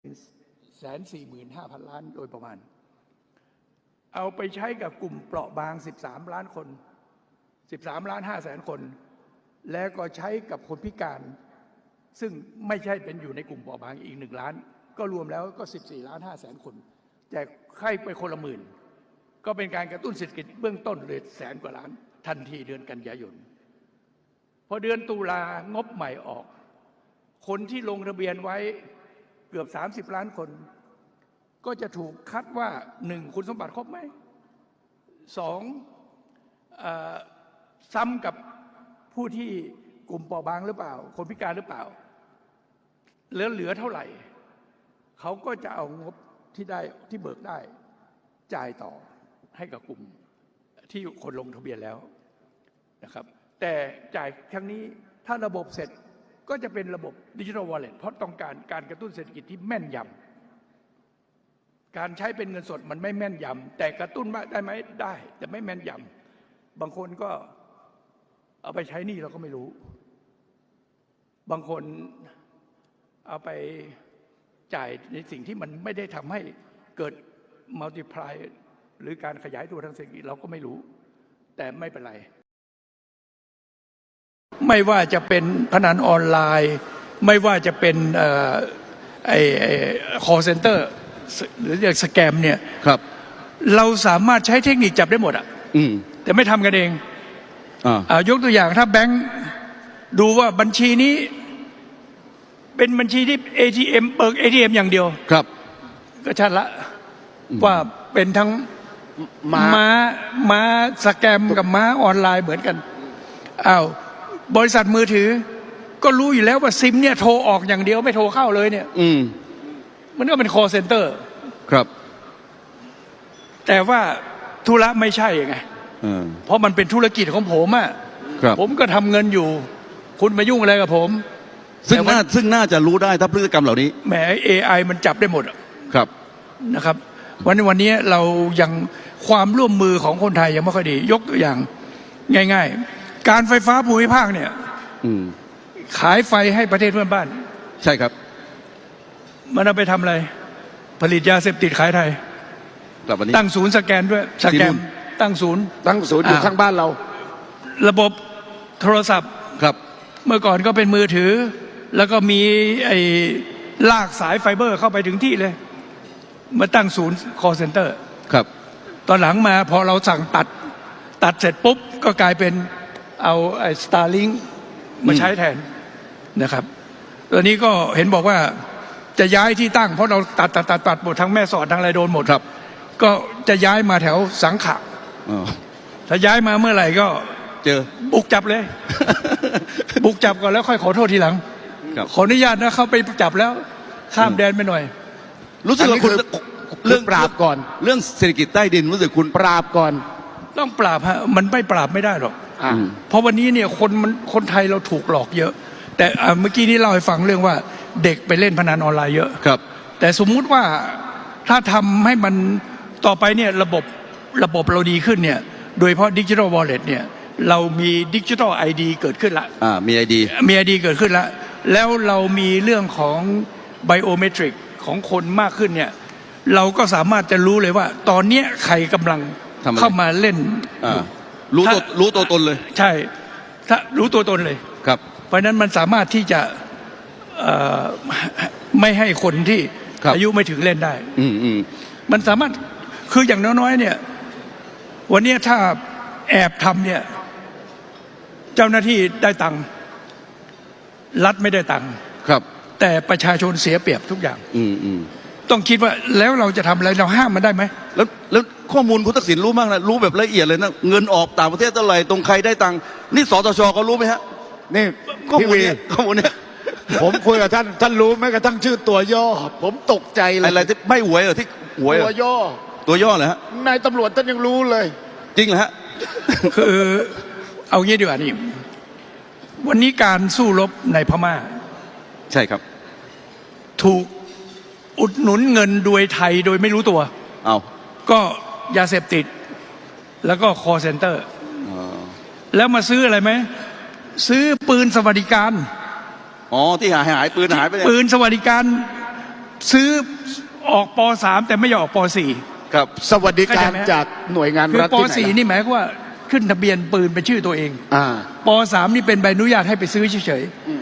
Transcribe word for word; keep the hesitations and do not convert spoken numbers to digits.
แสนสี่หมื่นห้าพันล้านโดยประมาณเอาไปใช้กับกลุ่มเปราะบางสิบสามล้านคนสิบสามล้านห้าแสนคนแล้วก็ใช้กับคนพิการซึ่งไม่ใช่เป็นอยู่ในกลุ่มเปราะบางอีกหนึ่งล้านก็รวมแล้วก็สิบสี่ล้านห้าแสนคนแจกให้ไปคนละหมื่นก็เป็นการกระตุ้นเศรษฐกิจเบื้องต้นเลยแสนกว่าล้านทันทีเดือนกันยายนพอเดือนตุลางบใหม่ออกคนที่ลงทะเบียนไว้เกือบสามสิบล้านคนก็จะถูกคัดว่าหนึ่งคุณสมบัติครบไหมสองซ้ำกับผู้ที่กลุ่มเปราะบางหรือเปล่าคนพิการหรือเปล่าเหลือเหลือเท่าไหร่เขาก็จะเอางบที่ได้ที่เบิกได้จ่ายต่อให้กับกลุ่มที่คนลงทะเบียนแล้วนะครับแต่จ่ายครั้งนี้ถ้าระบบเสร็จก็จะเป็นระบบดิจิทัลวอลเล็ตเพราะต้องการการกระตุ้นเศรษฐกิจที่แม่นยำการใช้เป็นเงินสดมันไม่แม่นยำแต่กระตุ้นได้ไหมได้แต่ไม่แม่นยำบางคนก็เอาไปใช้หนี้เราก็ไม่รู้บางคนเอาไปจ่ายในสิ่งที่มันไม่ได้ทำให้เกิดมัลติพลายหรือการขยายตัวทางเศรษฐกิจเราก็ไม่รู้แต่ไม่เป็นไรไม่ว่าจะเป็นพนันออนไลน์ไม่ว่าจะเป็นไอ้ไอ้ call center หรือเรียกสแกมเนี่ยครับเราสามารถใช้เทคนิคจับได้หมดอ่ะแต่ไม่ทำกันเองอ่ายกตัวอย่างถ้าแบงค์ดูว่าบัญชีนี้เป็นบัญชีที่ เอ ที เอ็ม เบิก เอ ที เอ็ม อย่างเดียวครับก็ชัดละว่าเป็นทั้งม้าม้าสแกมกับม้าออนไลน์เหมือนกันอ้าวบริษัทมือถือก็รู้อยู่แล้วว่าซิมเนี่ยโทรออกอย่างเดียวไม่โทรเข้าเลยเนี่ยอืมมันก็เป็น call center ครับแต่ว่าธุระไม่ใช่ไงเพราะมันเป็นธุรกิจของผมอ่ะผมก็ทำเงินอยู่คุณมายุ่งอะไรกับผมซึ่งน่าซึ่งน่าจะรู้ได้ถ้าพฤติกรรมเหล่านี้แหม เอ ไอ มันจับได้หมดครับนะครับวันวันนี้เรายังความร่วมมือของคนไทยยังไม่ค่อยดียกตัวอย่างง่ายๆการไฟฟ้าภูมิภาคเนี่ยขายไฟให้ประเทศเพื่อนบ้านใช่ครับมันเอาไปทำอะไรผลิตยาเสพติดขายไทยตั้งศูนย์สแกนด้วยสแกนตั้งศูนย์ตั้งศูนย์อยู่ข้างบ้านเราระบบโทรศัพท์ครับเมื่อก่อนก็เป็นมือถือแล้วก็มีไอ้ลากสายไฟเบอร์เข้าไปถึงที่เลยมาตั้งศูนย์ call center ครับตอนหลังมาพอเราสั่งตัดตัดเสร็จปุ๊บก็กลายเป็นเอาไอ้ Starlink มาใช้แทนนะครับตอนนี้ก็เห็นบอกว่าจะย้ายที่ตั้งเพราะเราตัดตัดตัดตัดหมดทั้งแม่สอดทั้งอะไรโดนหมดครับก็จะย้ายมาแถวสังขะถ้าย้ายมาเมื่อไหร่ก็เจอบุกจับเลย บุกจับก่อนแล้วค่อยขอโทษทีหลังขออนุญาตนะเขาไปจับแล้วข้ามแดนไปหน่อยรู้สึกว่าคุณเรื่องปราบก่อนเรื่องเศรษฐกิจใต้ดินรู้สึกคุณปราบก่อนต้องปราบฮะมันไม่ปราบไม่ได้หรอกเพราะวันนี้เนี่ยคนมันคนไทยเราถูกหลอกเยอะแต่เมื่อกี้นี้เล่าให้ฟังเรื่องว่าเด็กไปเล่นพนันออนไลน์เยอะครับแต่สมมุติว่าถ้าทำให้มันต่อไปเนี่ยระบบระบบเราดีขึ้นเนี่ยโดยเฉพาะดิจิทัลวอลเล็ตเนี่ยเรามีดิจิทัลไอดีเกิดขึ้นละอ่ามีไอดีมีไอดีเกิดขึ้นละแล้วเรามีเรื่องของไบโอเมตริกของคนมากขึ้นเนี่ยเราก็สามารถจะรู้เลยว่าตอนเนี้ยใครกำลังเข้ามาเล่นรู้ตัวรู้ตัวตนเลยใช่ถ้ารู้ตัวตนเลยครับเพราะนั้นมันสามารถที่จะไม่ให้คนที่อายุไม่ถึงเล่นได้อืมอืมมันสามารถคืออย่างน้อยๆเนี่ยวันนี้ถ้าแอบทำเนี่ยเจ้าหน้าที่ได้ตังค์รัฐไม่ได้ตังค์ครับแต่ประชาชนเสียเปรียบทุกอย่างอืมอืมต้องคิดว่าแล้วเราจะทำอะไรเราห้ามมันได้ไหมแล้วแล้วข้อมูลคุณทักษิณรู้มากนะรู้แบบละเอียดเลยนะเงินออกต่างประเทศเท่าไหร่ตรงใครได้ตังค์นี่สตชเขารู้ไหมฮะนี่ข้อมูลนี้ข้อมูลนี้ผมคุยกับท่านท่านรู้ไหมกระทั่งชื่อตัวย่อผมตกใจเลยอะไรที่ไม่หวยเหรอที่หวยตัวย่อตัวย่อเหรอฮะนายตำรวจท่านยังรู้เลยจริงเหรอฮะคือเอางี้ดีกว่านี่วันนี้การสู้รบในพม่าใช่ครับถูกอุดหนุนเงินโดยไทยโดยไม่รู้ตัวเอาก็ยาเสพติดแล้วก็คอเซ็นเตอร์แล้วมาซื้ออะไรไหมซื้อปืนสวัสดิการอ๋อที่หายหายปืนหายไปปืนสวัสดิการซื้อออกป สาม แต่ไม่ยอมออกป สี่ครับสวัสดิการเข้าใจไหมจากหน่วยงานคือรัฐปที่ไหนสี่ล่ะนี่หมายความว่าขึ้นทะเบียนปืนเป็นชื่อตัวเองอ่าป สาม นี่เป็นใบอนุญาตให้ไปซื้อเฉยอื